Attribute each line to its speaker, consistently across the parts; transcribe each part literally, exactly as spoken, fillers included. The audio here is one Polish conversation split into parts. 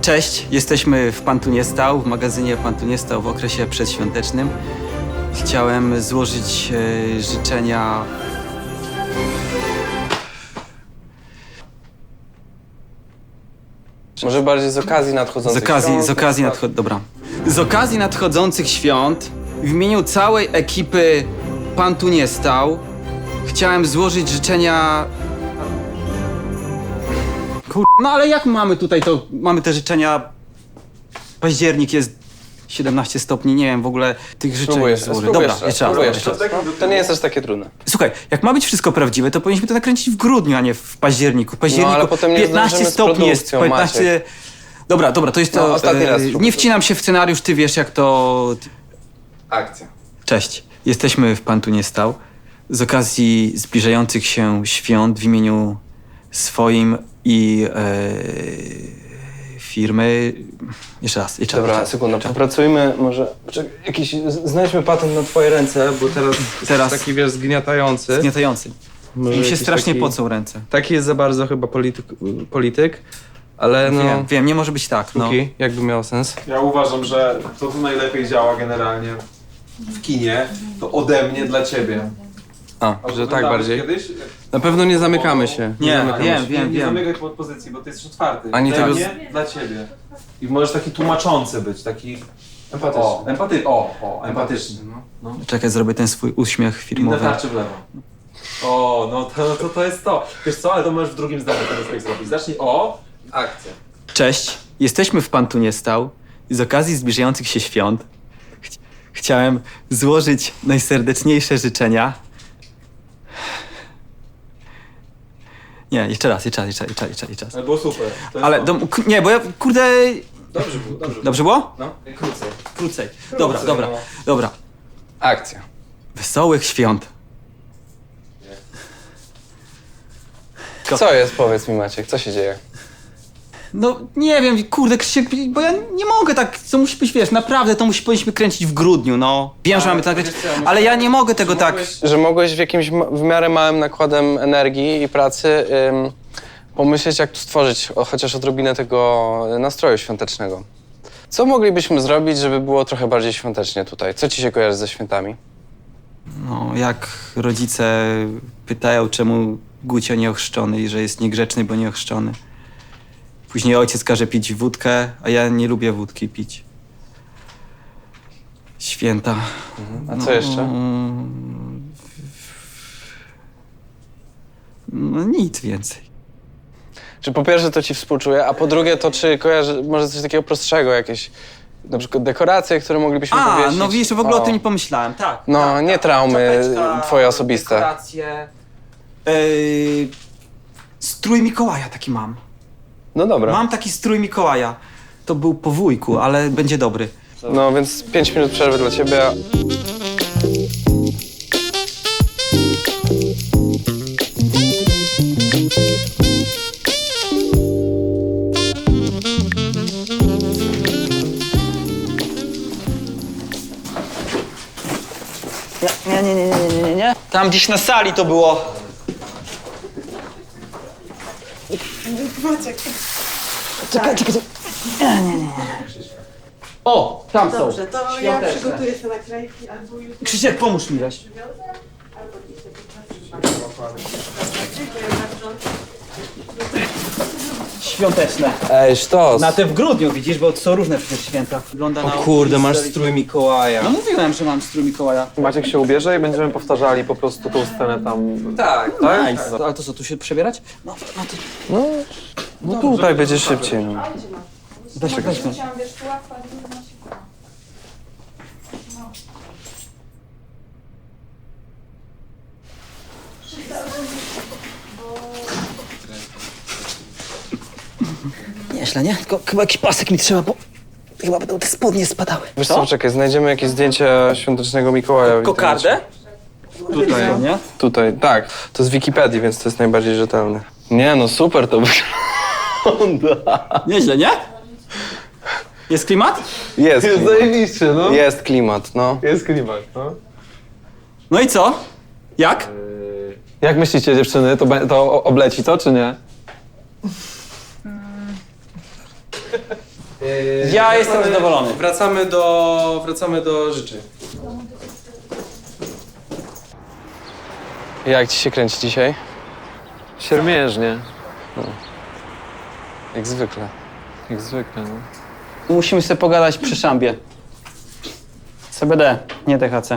Speaker 1: Cześć, jesteśmy w Pan tu nie stał, w magazynie Pan tu nie stał w okresie przedświątecznym. Chciałem złożyć e, życzenia...
Speaker 2: Może bardziej z okazji
Speaker 1: Z
Speaker 2: nadchodzących
Speaker 1: okazji,
Speaker 2: świąt,
Speaker 1: z okazji
Speaker 2: na
Speaker 1: nadcho... Dobra. Z okazji nadchodzących świąt w imieniu całej ekipy Pan tu nie stał chciałem złożyć życzenia... Kur... No ale jak mamy tutaj to... Mamy te życzenia... Październik jest siedemnaście stopni, nie wiem w ogóle tych życzeń
Speaker 2: Spróbuję,
Speaker 1: złożyć.
Speaker 2: spróbuję
Speaker 1: Dobra,
Speaker 2: jeszcze,
Speaker 1: jeszcze raz.
Speaker 2: spróbuję
Speaker 1: jeszcze
Speaker 2: jeszcze.
Speaker 1: raz.
Speaker 2: No, to nie jest aż takie trudne.
Speaker 1: Słuchaj, jak ma być wszystko prawdziwe, to powinniśmy to nakręcić w grudniu, a nie w październiku. W październiku
Speaker 2: No, ale potem nie
Speaker 1: piętnaście
Speaker 2: zdążymy z
Speaker 1: stopni jest,
Speaker 2: produkcją,
Speaker 1: piętnaście... Dobra, dobra, to jest to...
Speaker 2: No, ostatni raz
Speaker 1: e,
Speaker 2: spróbuj.
Speaker 1: nie wcinam się w scenariusz, ty wiesz jak to...
Speaker 2: Akcja.
Speaker 1: Cześć, jesteśmy w Pan tu nie stał. Z okazji zbliżających się świąt w imieniu swoim i e, firmy... Jeszcze raz, jeszcze
Speaker 2: Dobra,
Speaker 1: raz.
Speaker 2: sekunda, popracujmy może... Czekaj, jakiś... Znajdźmy patent na twoje ręce, bo teraz,
Speaker 1: Teraz-
Speaker 2: jest taki, wiesz, zgniatający.
Speaker 1: Zgniatający.
Speaker 2: Może
Speaker 1: Im się
Speaker 2: jakiś
Speaker 1: strasznie
Speaker 2: taki...
Speaker 1: pocą ręce.
Speaker 2: Taki jest za bardzo chyba polityk, polityk ale no...
Speaker 1: Wiem, wiem, nie może być tak, no.
Speaker 2: Póki, jakby miało sens.
Speaker 3: Ja uważam, że to, co najlepiej działa generalnie w kinie, to ode mnie dla ciebie.
Speaker 2: A,
Speaker 3: A
Speaker 2: że tak
Speaker 3: oglądałeś
Speaker 2: bardziej.
Speaker 3: Kiedyś?
Speaker 2: Na pewno nie zamykamy się.
Speaker 1: Nie,
Speaker 2: zamykamy
Speaker 1: wiem,
Speaker 2: się.
Speaker 1: wiem,
Speaker 3: nie, nie
Speaker 1: wiem.
Speaker 3: zamykaj pod pozycji, bo ty jesteś otwarty.
Speaker 2: Ani
Speaker 3: dla
Speaker 2: tego
Speaker 3: mnie, dla ciebie. I możesz taki tłumaczący być, taki...
Speaker 2: Empatyczny.
Speaker 3: O, empaty... o, o, empatyczny. No.
Speaker 1: Czekaj, zrobię ten swój uśmiech
Speaker 3: Inne
Speaker 1: filmowy.
Speaker 3: tarczy w lewo. O, no to, to, to jest to. Wiesz co, ale to możesz w drugim zdaniu ten efekt zrobić. Zacznij o... Akcja.
Speaker 1: Cześć, jesteśmy w Pan tu nie stał i z okazji zbliżających się świąt ch chciałem złożyć najserdeczniejsze życzenia. Nie, jeszcze raz, jeszcze raz, jeszcze raz, jeszcze raz, jeszcze raz.
Speaker 3: Ale było super. To jest
Speaker 1: Ale,
Speaker 3: to.
Speaker 1: do, k- nie, bo ja, kurde...
Speaker 3: Dobrze było, dobrze było.
Speaker 1: Dobrze było?
Speaker 3: No, krócej.
Speaker 1: Krócej. Dobra,
Speaker 3: Krócej,
Speaker 1: dobra,
Speaker 3: no.
Speaker 1: dobra.
Speaker 2: Akcja.
Speaker 1: Wesołych świąt. Ko-
Speaker 2: Co jest, powiedz mi Maciek, co się dzieje?
Speaker 1: No, nie wiem, kurde, Krzysiek, bo ja nie mogę tak, to musi być, wiesz, naprawdę to musi, powinniśmy kręcić w grudniu, no. Wiem, że mamy to nakręcić,
Speaker 2: wiesz co, ja
Speaker 1: ale ja nie mogę tego tak...
Speaker 2: Że mogłeś w jakimś ma- w miarę małym nakładem energii i pracy ym, pomyśleć, jak tu stworzyć o, chociaż odrobinę tego nastroju świątecznego. Co moglibyśmy zrobić, żeby było trochę bardziej świątecznie tutaj? Co ci się kojarzy ze świętami?
Speaker 1: No, jak rodzice pytają, czemu Gucio nieochrzczony i że jest niegrzeczny, bo nieochrzczony. Później ojciec każe pić wódkę, a ja nie lubię wódki pić. Święta.
Speaker 2: A co jeszcze?
Speaker 1: No nic więcej.
Speaker 2: Czy po pierwsze to ci współczuję, a po drugie to czy kojarzy może coś takiego prostszego, jakieś na przykład dekoracje, które moglibyśmy
Speaker 1: A,
Speaker 2: powiesić?
Speaker 1: no wiesz, w ogóle o,
Speaker 2: O.
Speaker 1: tym nie pomyślałem, tak.
Speaker 2: No,
Speaker 1: tak,
Speaker 2: nie
Speaker 1: tak.
Speaker 2: traumy
Speaker 1: Czapeczka,
Speaker 2: twoje osobiste.
Speaker 1: Dekoracje. Yy, strój Mikołaja taki mam.
Speaker 2: No dobra.
Speaker 1: Mam taki strój Mikołaja. To był po wujku, ale będzie dobry.
Speaker 2: No więc pięć minut przerwy dla ciebie. a-
Speaker 1: Nie, nie, nie, nie, nie, nie, nie. Tam gdzieś na sali to było. Czekaj, czekaj, czekaj. Nie, nie, nie. O, tam są.
Speaker 4: Dobrze, to ja
Speaker 1: Świąteczne.
Speaker 4: przygotuję sobie naklejki albo już...
Speaker 1: Krzysiek, pomóż mi weź.
Speaker 4: Dziękuję bardzo.
Speaker 1: Świąteczne.
Speaker 2: Ej, sztos.
Speaker 1: Na te w grudniu, widzisz, bo są różne przecież święta. Wygląda
Speaker 2: O
Speaker 1: na...
Speaker 2: kurde, masz strój Mikołaja.
Speaker 1: No mówiłem, że mam strój Mikołaja.
Speaker 3: Maciek się ubierze i będziemy powtarzali po prostu tą scenę tam.
Speaker 2: Tak,
Speaker 1: Nice. Ale to co, tu się przebierać? No, no to...
Speaker 2: No, no tutaj będzie szybciej. No.
Speaker 1: Weźmy, weźmy.
Speaker 4: Chciałam, wiesz, tu łatwo, ale nie ma się koła.
Speaker 1: Nieźle, nie? Tylko chyba jakiś pasek mi trzeba, bo chyba będą te spodnie spadały.
Speaker 2: Wiesz co, czekaj, znajdziemy jakieś zdjęcia świątecznego Mikołaja. w
Speaker 1: Kokardę?
Speaker 2: Tutaj,
Speaker 1: nie?
Speaker 2: Tutaj, tak. To z Wikipedii, więc to jest najbardziej rzetelne. Nie no, super to wygląda.
Speaker 1: Nieźle, nie? Jest klimat?
Speaker 2: Jest klimat.
Speaker 3: zajebiście, no.
Speaker 2: Jest klimat, no.
Speaker 3: Jest klimat, no.
Speaker 1: No i co? Jak?
Speaker 3: Jak myślicie, dziewczyny, to, be- to o- obleci to, czy nie?
Speaker 1: Ja jestem zadowolony.
Speaker 2: Wracamy do, wracamy do życzeń. Jak ci się kręci dzisiaj?
Speaker 5: Siermiężnie,
Speaker 2: Jak zwykle.
Speaker 5: jak zwykle. No.
Speaker 1: Musimy sobie pogadać przy szambie. C B D, nie T H C.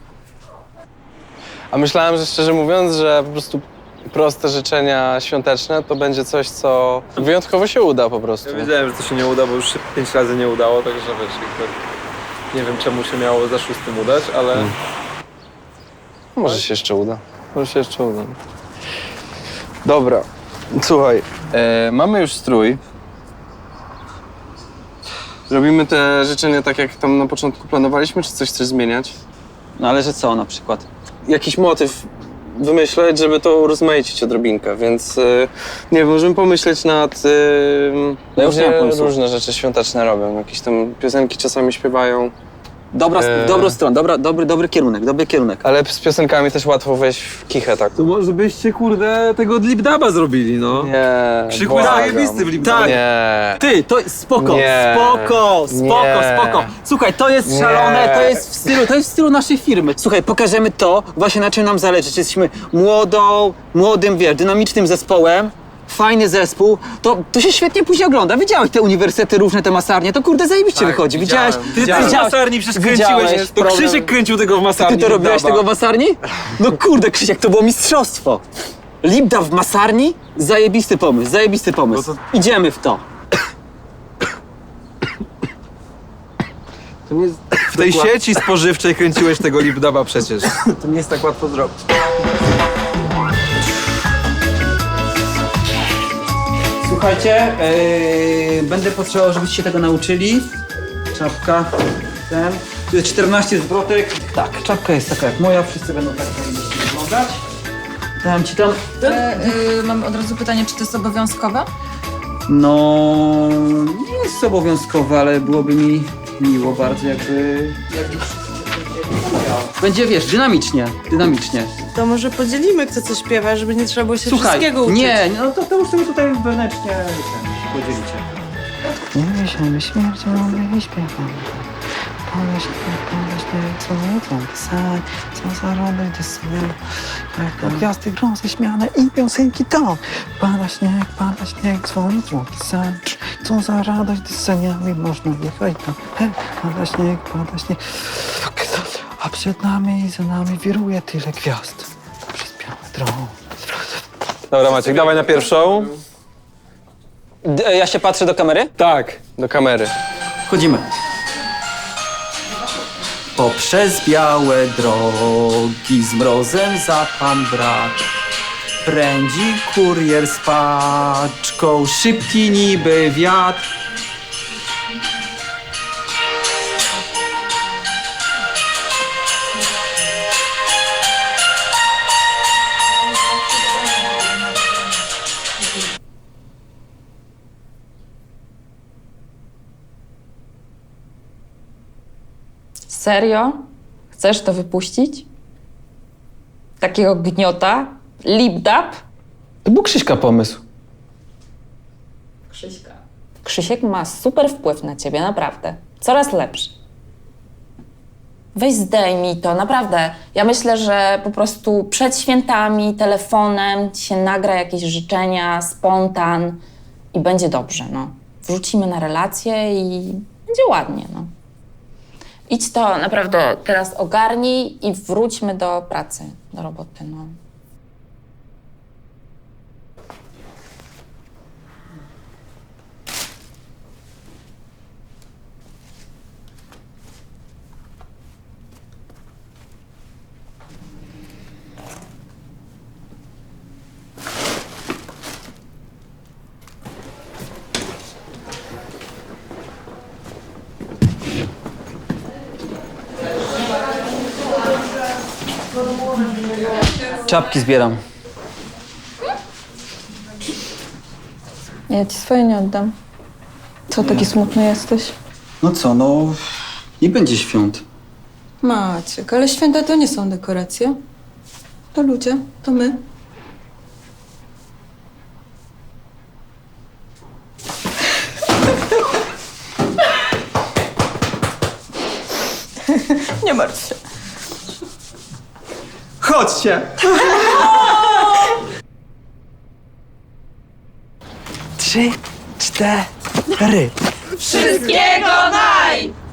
Speaker 2: A myślałem, że szczerze mówiąc, że po prostu proste życzenia świąteczne to będzie coś, co wyjątkowo się uda po prostu.
Speaker 5: Ja wiedziałem, że to się nie uda, bo już się pięć razy nie udało, także wiesz, jakby nie wiem czemu się miało za szóstym udać, ale
Speaker 2: Może się jeszcze uda.
Speaker 5: może się jeszcze uda.
Speaker 2: Dobra, słuchaj, e, mamy już strój. Robimy te życzenia tak, jak tam na początku planowaliśmy, czy coś chcesz zmieniać?
Speaker 1: No ale że co na przykład?
Speaker 2: Jakiś motyw wymyśleć, żeby to urozmaicić odrobinkę, więc e, nie wiem, możemy pomyśleć nad... E,
Speaker 1: Ja już nie mam
Speaker 2: ludzie
Speaker 1: pomysłu.
Speaker 2: różne rzeczy świąteczne robią, jakieś tam piosenki czasami śpiewają,
Speaker 1: Dobra,
Speaker 2: Eee.
Speaker 1: dobrą stronę, dobra, dobry, dobry kierunek, dobry kierunek.
Speaker 2: ale z piosenkami też łatwo wejść w kichę, tak?
Speaker 5: To może byście, kurde, tego Lipdaba zrobili, no.
Speaker 2: Nie,
Speaker 5: Krzyku jest
Speaker 2: błagam.
Speaker 5: zajebisty w Lipdabie.
Speaker 2: Nie.
Speaker 1: Ty, to jest spoko,
Speaker 2: Nie.
Speaker 1: spoko, spoko,
Speaker 2: Nie.
Speaker 1: spoko. Słuchaj, to jest
Speaker 2: Nie.
Speaker 1: szalone, to jest w stylu, to jest w stylu naszej firmy. Słuchaj, pokażemy to, właśnie na czym nam zależy. Jesteśmy młodą, młodym, wiesz, dynamicznym zespołem. Fajny zespół, to, to się świetnie później ogląda. Widziałeś te uniwersytety różne, te masarnie, to kurde zajebiście wychodzi. Widziałeś?
Speaker 5: Ty
Speaker 1: widziałeś?
Speaker 5: też w masarni przecież
Speaker 1: Widziałeś
Speaker 5: kręciłeś, to
Speaker 1: problem?
Speaker 5: Krzysiek kręcił tego w
Speaker 1: Ty
Speaker 5: masarni.
Speaker 1: to robiłeś
Speaker 5: Lipdaba.
Speaker 1: tego w masarni? No kurde, Krzysiek, to było mistrzostwo. Lipda w masarni? Zajebisty pomysł, zajebisty pomysł. Idziemy w to.
Speaker 5: To nie jest... W tej sieci spożywczej kręciłeś tego Lipdaba przecież. To nie jest tak łatwo zrobić.
Speaker 1: Słuchajcie, yy, będę potrzebował, żebyście się tego nauczyli. Czapka, ten. Tu jest czternaście zwrotek. Tak, czapka jest taka jak moja, wszyscy będą tak powinniście wyglądać. Dałem ci tam.
Speaker 6: E, y, mam od razu pytanie, czy to jest obowiązkowe?
Speaker 1: No, nie jest obowiązkowe, ale byłoby mi miło bardzo, jakby... jakby będzie, wiesz, dynamicznie, dynamicznie.
Speaker 4: To może podzielimy, kto co śpiewa, żeby nie trzeba było się
Speaker 1: Słuchaj,
Speaker 4: wszystkiego uczyć.
Speaker 1: nie, no to, to już sobie tutaj wewnętrznie ten, podzielicie.
Speaker 7: Nie myślimy śmiercią i śpiewamy. Pomyśl, pomyśl, co jutro pisać, co za radość do sobie. Jak gwiazdy grą ześmiane i piosenki to. Pada śnieg, pada śnieg, dzwoni dzwonki sam. Co za radość do seniami można jechać tam. Hej, pada śnieg, pada śnieg. A przed nami i za nami wiruje tyle gwiazd. Przez białe drogi.
Speaker 5: Dobra Maciek, dawaj na pierwszą.
Speaker 1: D- ja się patrzę do kamery?
Speaker 5: Tak.
Speaker 2: Do kamery.
Speaker 1: Wchodzimy. Poprzez białe drogi z mrozem za pan brak. Prędzi kurier z paczką, szybki niby wiatr.
Speaker 6: Serio? Chcesz to wypuścić? Takiego gniota? Lipdab?
Speaker 1: To był Krzyśka pomysł.
Speaker 6: Krzyśka. Krzysiek ma super wpływ na ciebie, naprawdę. Coraz lepszy. Weź zdejmij to, naprawdę. Ja myślę, że po prostu przed świętami, telefonem ci się nagra jakieś życzenia, spontan i będzie dobrze, no. Wrzucimy na relacje i będzie ładnie, no. Idź to naprawdę teraz ogarnij i wróćmy do pracy, do roboty, no.
Speaker 1: Czapki zbieram.
Speaker 6: Ja ci swoje nie oddam. Co, taki smutny jesteś?
Speaker 1: No co, no... nie będzie świąt.
Speaker 8: Maciek, ale święta to nie są dekoracje. To ludzie, to my. Nie martw się.
Speaker 7: Chodźcie! Trzy, cztery.
Speaker 6: Wszystkiego naj!